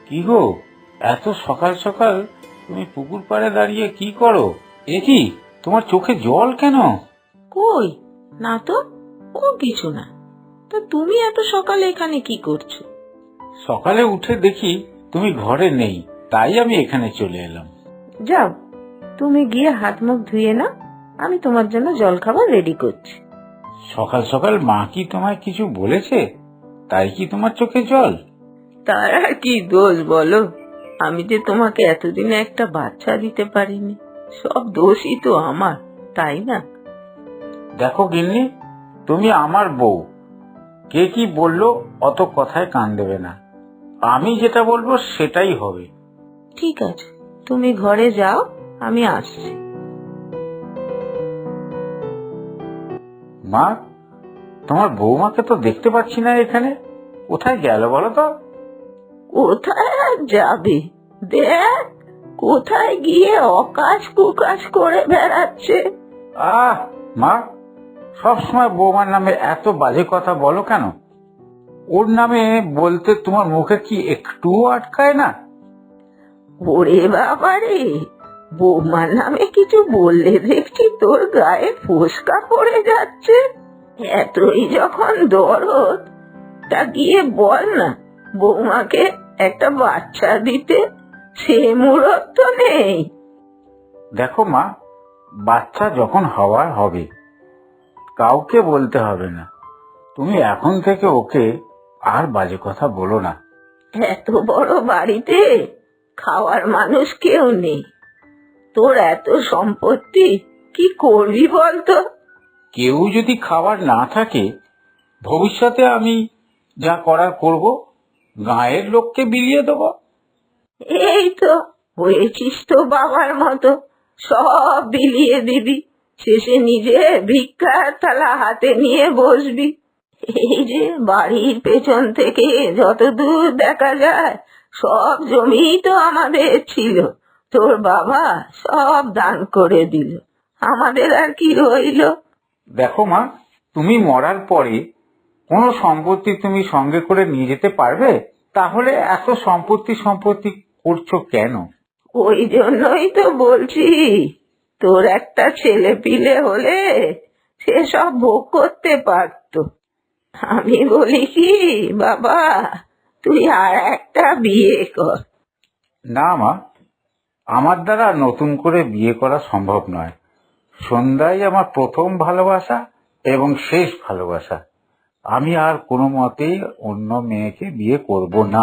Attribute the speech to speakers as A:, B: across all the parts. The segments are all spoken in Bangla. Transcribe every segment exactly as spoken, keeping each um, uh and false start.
A: কি গো, এত সকাল সকাল তুমি পুকুর পাড়ে দাঁড়িয়ে কি করো? এ কি, তোমার চোখে জল কেন?
B: কই না তো, ও কিছু না। তা তুমি এত সকালে এখানে কি করছো?
A: সকালে উঠে দেখি তুমি ঘরে নেই, তাই আমি এখানে চলে এলাম।
B: যাও, তুমি গিয়ে হাত মুখ ধুয়ে নাও, আমি তোমার জন্য জলখাবার রেডি করছি।
A: সকাল সকাল মা কি তোমায় কিছু বলেছে, তাই কি তোমার চোখে জল?
B: তার আর কি দোষ বলো? আমি যে তোমাকে এতদিনে একটা বাচ্চা দিতে পারিনি, সব দোষই তো আমার, তাই না?
A: দেখো গিন্নি, তুমি আমার বউ, কে কি বললো অত কথায় কান দেবে না। আমি যেটা বলবো সেটাই হবে।
B: ঠিক আছে, তুমি ঘরে যাও, আমি আসছি।
A: মা, তোমার বৌমাকে তো দেখতে পাচ্ছি না এখানে, কোথায় গেল বলো তো?
B: কোথায় আর যাবে, দেখ কোথায় গিয়ে অকাজ কুকাজ করে বেড়াচ্ছে।
A: আহ মা, সবসময় বৌমার নামে এত বাজে কথা বলো কেন? ওর নামে বলতে তোমার মুখে কি একটুও আটকায় না?
B: ওরে বাবারে, বৌমার নামে কিছু বললে দেখছি তোর গায়ে ফোসকা পড়ে যাচ্ছে। এতই যখন দরদ, তা গিয়ে বল না বৌমাকে একটা বাচ্চা দিতে, সে মুরত তো নেই।
A: দেখো মা, বাচ্চা যখন হওয়ার হবে কাউকে বলতে হবে না। তুমি এখন থেকে ওকে আর বাজে কথা বলো না।
B: এত বড় বাড়িতে খাওয়ার মানুষ কেউ নেই, তোর এত সম্পত্তি কি করবি বলতো?
A: কেউ যদি খাবার না থাকে, ভবিষ্যতে আমি যা করার করব, গাঁয়ের লোককে বিলিয়ে দেবো।
B: এই তো হয়েছিস তো বাবার মতো, সব বিলিয়ে দিবি, শেষে নিজে ভিক্ষার থালা হাতে নিয়ে বসবি। এই যে বাড়ির পেছন থেকে যত দূর দেখা যায় সব জমি তো আমাদের ছিল, তোর বাবা সব দান করে দিল, আমাদের আর কি রইল?
A: দেখো মা, তুমি মরার পরে কোনো সম্পত্তি তুমি সঙ্গে করে নিয়ে যেতে পারবে? তাহলে এত সম্পত্তি সম্পত্তি করছো কেন?
B: ওই জন্যই তো বলছি, তোর একটা ছেলে পিলে হলে সে সব ভোগ করতে পারতো। আমি বলি কি বাবা, তুই আর একটা বিয়ে কর।
A: না মা, আমার দ্বারা নতুন করে বিয়ে করা সম্ভব নয়। সন্ধ্যাই আমার প্রথম ভালোবাসা এবং শেষ ভালোবাসা। আমি আর কোনো মতেই অন্য মেয়েকে বিয়ে করব না।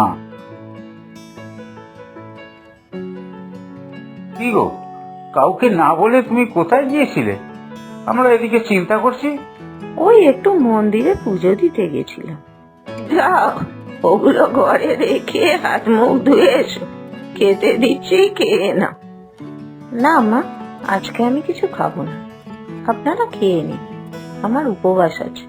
A: কি গো, কাউকে না বলে তুমি কোথায় গিয়েছিলে? আমরা এদিকে চিন্তা করছি।
B: ওই একটু মন্দিরে পুজো দিতে গেছিলাম। যাও, ওগুলো ঘরে রেখে হাত মুখ ধুয়ে এসো, খেতে দিচ্ছি, খেয়ে নাও। না মা, আজকে আমি কিছু খাবো না, আপনারা খেয়ে নিন, আমার উপবাস আছে।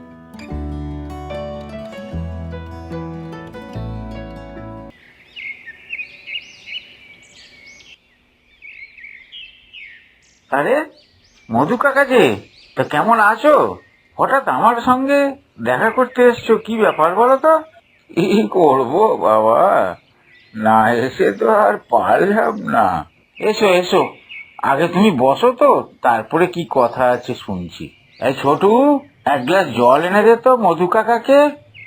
A: আরে মধু কাকা যে, তা কেমন আছো? হঠাৎ আমার সঙ্গে দেখা করতে এসছো, কি ব্যাপার বলো তো? কি করবো বাবা, না এসে তো আর পারলাম না। এসো এসো, আগে তুমি বসো তো, তারপরে কি কথা আছে শুনছি। এই ছোটু, এক গ্লাস জল এনে দে তো মধু কাকাকে।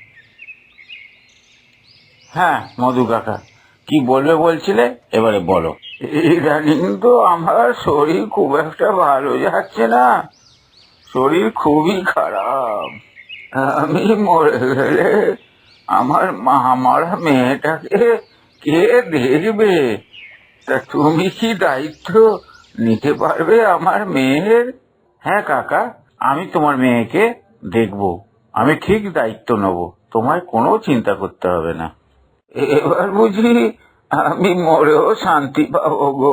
A: হ্যাঁ মধু কাকা, কি বলবে বলছিলে, এবারে বলো। ইদানিং তো আমার শরীর খুব একটা ভালো যাচ্ছে না, শরীর খুবই খারাপ। আমি মরে গেলে আমার মা মারা মেয়েটাকে কে দেখবে? তা তুমি কি দায়িত্ব নিতে পারবে আমার মেয়ের? হ্যাঁ কাকা, আমি তোমার মেয়েকে দেখব, আমি ঠিক দায়িত্ব নেব, তোমায় কোনো চিন্তা করতে হবে না। এবার বুঝি আমি মরেও শান্তি পাবো গো?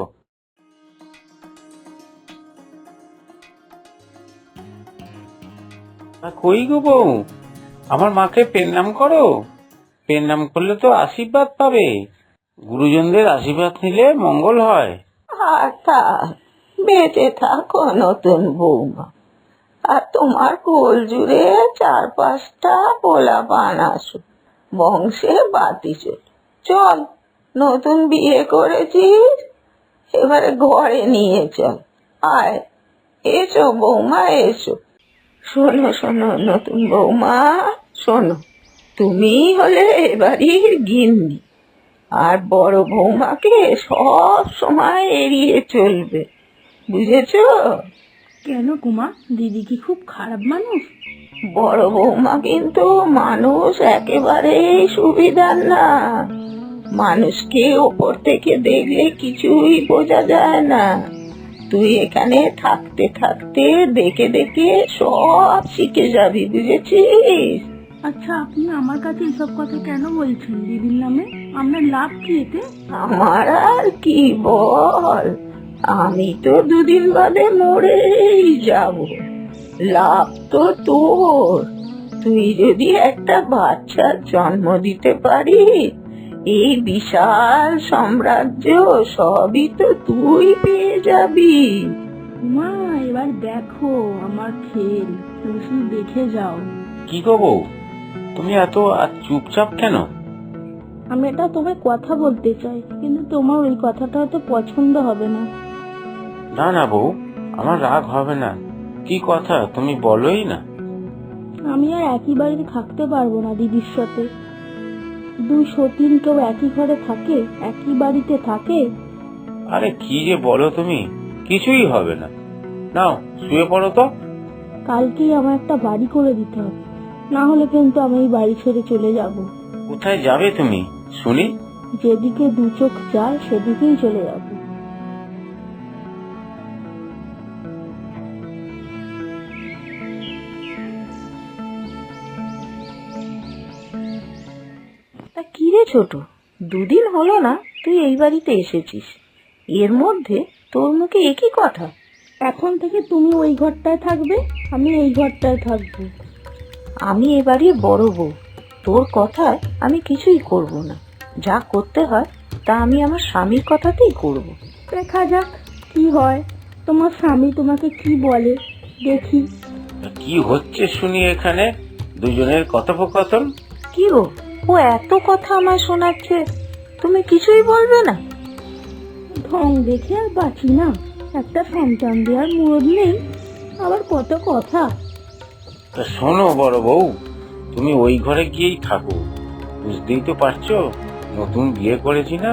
A: কই গো বউ, আমার মাকে পেন্নাম করো। পেন্নাম করলে তো আশীর্বাদ পাবে, গুরুজনদের আশীর্বাদ নিলে মঙ্গল হয়।
B: আর থাক, বেঁচে থাকো নতুন বৌমা, আর তোমার কোল জুড়ে চার পাঁচটা পোলা পান আসুক, বংশে বাতি চল। চল নতুন বিয়ে করেছিস, এবারে ঘরে নিয়ে চল। আয়, এসো বৌমা এসো। শোনো শোনো নতুন বৌমা, শোনো, তুমি হলে এবাড়ির গিন্নি, আর বড় বৌমাকে সব সময় এড়িয়ে চলবে, বুঝেছো?
C: কেন কুমা, দিদি কি খুব খারাপ মানুষ?
B: বড় বৌমা কিন্তু মানুষ একেবারেই সুবিধার না। মানুষকে ওপর থেকে দেখলে কিছুই বোঝা যায় না। তুই এখানে থাকতে থাকতে দেখে দেখে সব শিখে যাবি, বুঝেছিস?
C: আচ্ছা, আপনি আমার কাছে এসব কথা কেন বলছেন দিদির নামে? আপনার লাভ কি এতে?
B: আমার আর কি বল, আমি তো দুদিন বাদে মরেই যাব। লাভ তো তোর, তুই যদি একটা বাচ্চার জন্ম দিতে পারিস, এই বিশাল সাম্রাজ্য সবই তো তুই পেয়ে যাবি।
C: মা, এবার দেখো আমার খেল, তুমি শুধু দেখে যাও।
A: কি গো বউ, তুমি এত আর চুপচাপ কেন?
C: আমি এটা তোমায় কথা বলতে চাই, কিন্তু তোমার ওই কথাটা হয়তো পছন্দ হবে না।
A: না না বউ, আমার রাগ হবে না। কি কথা তুমি বলোই না।
C: আমি আর একই বাড়িতে থাকতে পারবো না দিদির সাথে। দুই সতীন কেউ একই ঘরে থাকে, একই বাড়িতে থাকে?
A: আরে কি যে বলো তুমি, কিছুই হবে না। নাও শুয়ে পড়ো তো।
C: কালকেই আমার একটা বাড়ি করে দিতে হবে, না হলে কিন্তু আমি এই বাড়ি ছেড়ে চলে যাব।
A: কোথায় যাবে তুমি শুনি?
C: যেদিকে দু চোখ যায় সেদিকেই চলে যাব।
B: তা কি রে ছোট, দুদিন হলো না তুই এই বাড়িতে এসেছিস, এর মধ্যে তোর মুখে একই কথা?
C: এখন থেকে তুমি ওই ঘরটায় থাকবে, আমি এই ঘরটায় থাকবো।
B: আমি এ বাড়ির বড় বউ, তোর কথায় আমি কিছুই করব না। যা করতে হয় তা আমি আমার স্বামীর কথাতেই করব।
C: দেখা যাক কি হয়, তোমার স্বামী তোমাকে কি বলে দেখি।
A: কি হচ্ছে শুনি এখানে দুজনের কথোপকথন?
B: কি গো, ও এত কথা আমায় শোনাচ্ছে, তুমি কিছুই বলবে না?
C: ঢং দেখে আর বাঁচি না, একটা সন্তান দেওয়ার মুরদ নেই, আবার কত কথা।
A: তা শোনো বড় বউ, তুমি ওই ঘরে গিয়েই থাকো। বুঝতেই তো পারছো, নতুন বিয়ে করেছি না।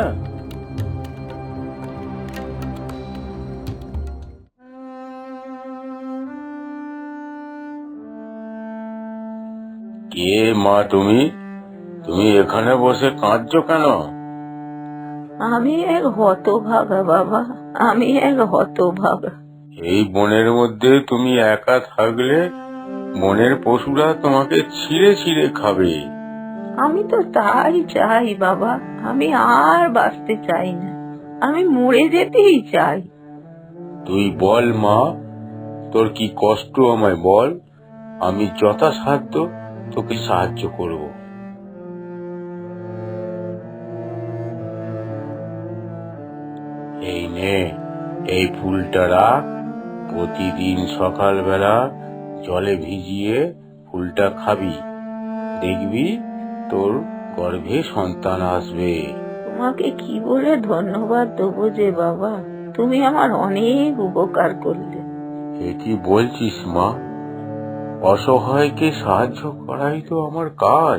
A: কে মা তুমি? তুমি এখানে বসে কাঁদছো কেন?
B: আমি এক হতভাগা বাবা, আমি এক হতভাগা।
A: এই বনের মধ্যে তুমি একা থাকলে বনের পশুরা তোমাকে ছিঁড়ে ছিঁড়ে খাবে।
B: আমি তো তাই চাই বাবা, আমি আর বাঁচতে চাই না, আমি মরে যেতেই চাই।
A: তুই বল মা, তোর কি কষ্ট আমায় বল, আমি যথাসাধ্য তোকে সাহায্য করব। এই নে, এই ফুলটা রাখ, প্রতিদিন সকালবেলা জলে ভিজিয়ে ফুলটা খাবি, দেখবি তোর গর্ভে সন্তান আসবে।
B: তোমাকে কি বলে ধন্যবাদ দেবো যে বাবা, তুমি আমার অনেক উপকার করলে।
A: এ কি বলছিস মা, অসহায়কে সাহায্য করাই তো আমার কাজ।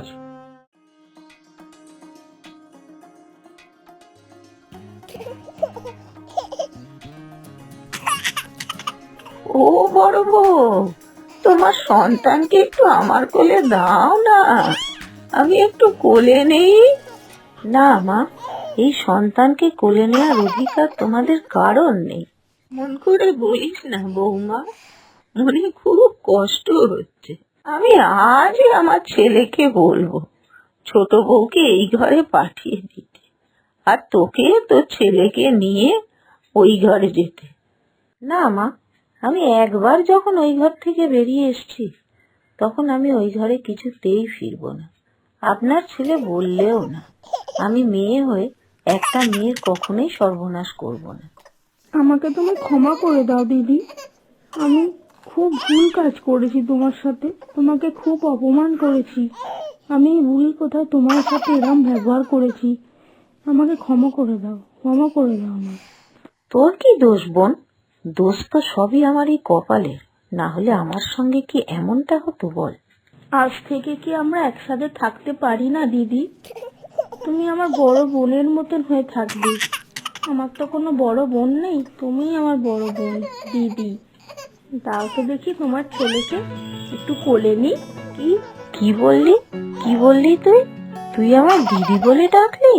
B: ও বড় বউ, তোমার সন্তানকে একটু আমার কোলে দাও না, আমি একটু কোলে নেই। না মা, এই সন্তানকে কোলে নেওয়ার অধিকার তোমাদের কারণ নেই। মন করে বলিস না বৌমা, মনে খুব কষ্ট হচ্ছে। আমি আজই আমার ছেলেকে বলবো ছোট বউকে এই ঘরে পাঠিয়ে দিতে, আর তোকে তোর ছেলেকে নিয়ে ওই ঘরে যেতে। না মা, আমি একবার যখন ওই ঘর থেকে বেরিয়ে এসেছি, তখন আমি ওই ঘরে কিছুতেই ফিরবো না। আপনার ছেলে বললেও না, আমি মেয়ে হয়ে একটা মেয়ের কখনোই সর্বনাশ করব না।
C: আমাকে তুমি ক্ষমা করে দাও দিদি, আমি খুব ভুল কাজ করেছি তোমার সাথে, তোমাকে খুব অপমান করেছি। আমি এই ভুল কোথায় তোমার সাথে এরকম ব্যবহার করেছি, আমাকে ক্ষমা করে দাও, ক্ষমা করে দাও আমার।
B: তোর কি দোষ বোন? দোষ তো সবই আমার এই কপালের, না হলে আমার সঙ্গে কি এমনটা হতো বল?
C: আজ থেকে কি আমরা একসাথে থাকতে পারি না দিদি? তুমি আমার বড় বোনের মতন হয়ে থাকবে। আমার তো কোনো বড় বোন নেই, তুমিই আমার বড় বোন দিদি। দাও তো দেখি তোমার ছেলেকে একটু কোলে নি। কি
B: কি বললি? কি বললি তুই? তুই আমার দিদি বলে ডাকলি?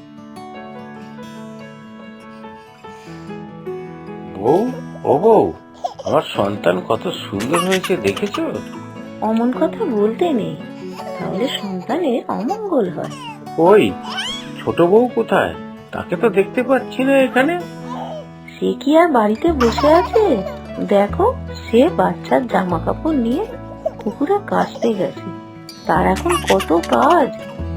D: বউ, ও বউ, আমার সন্তান কত সুন্দর হয়েছে দেখেছো?
B: অমন কথা বলতে নেই, তাহলে সন্তানের অমঙ্গল হয়।
D: ওই ছোট বউ কোথায়? তাকে তো দেখতে পাচ্ছি না এখানে।
B: সে কি আর বাড়িতে বসে আছে? দেখো, সে বাচ্চার জামা কাপড় নিয়ে পুকুরে কাচতে গেছে। তার এখন কত কাজ,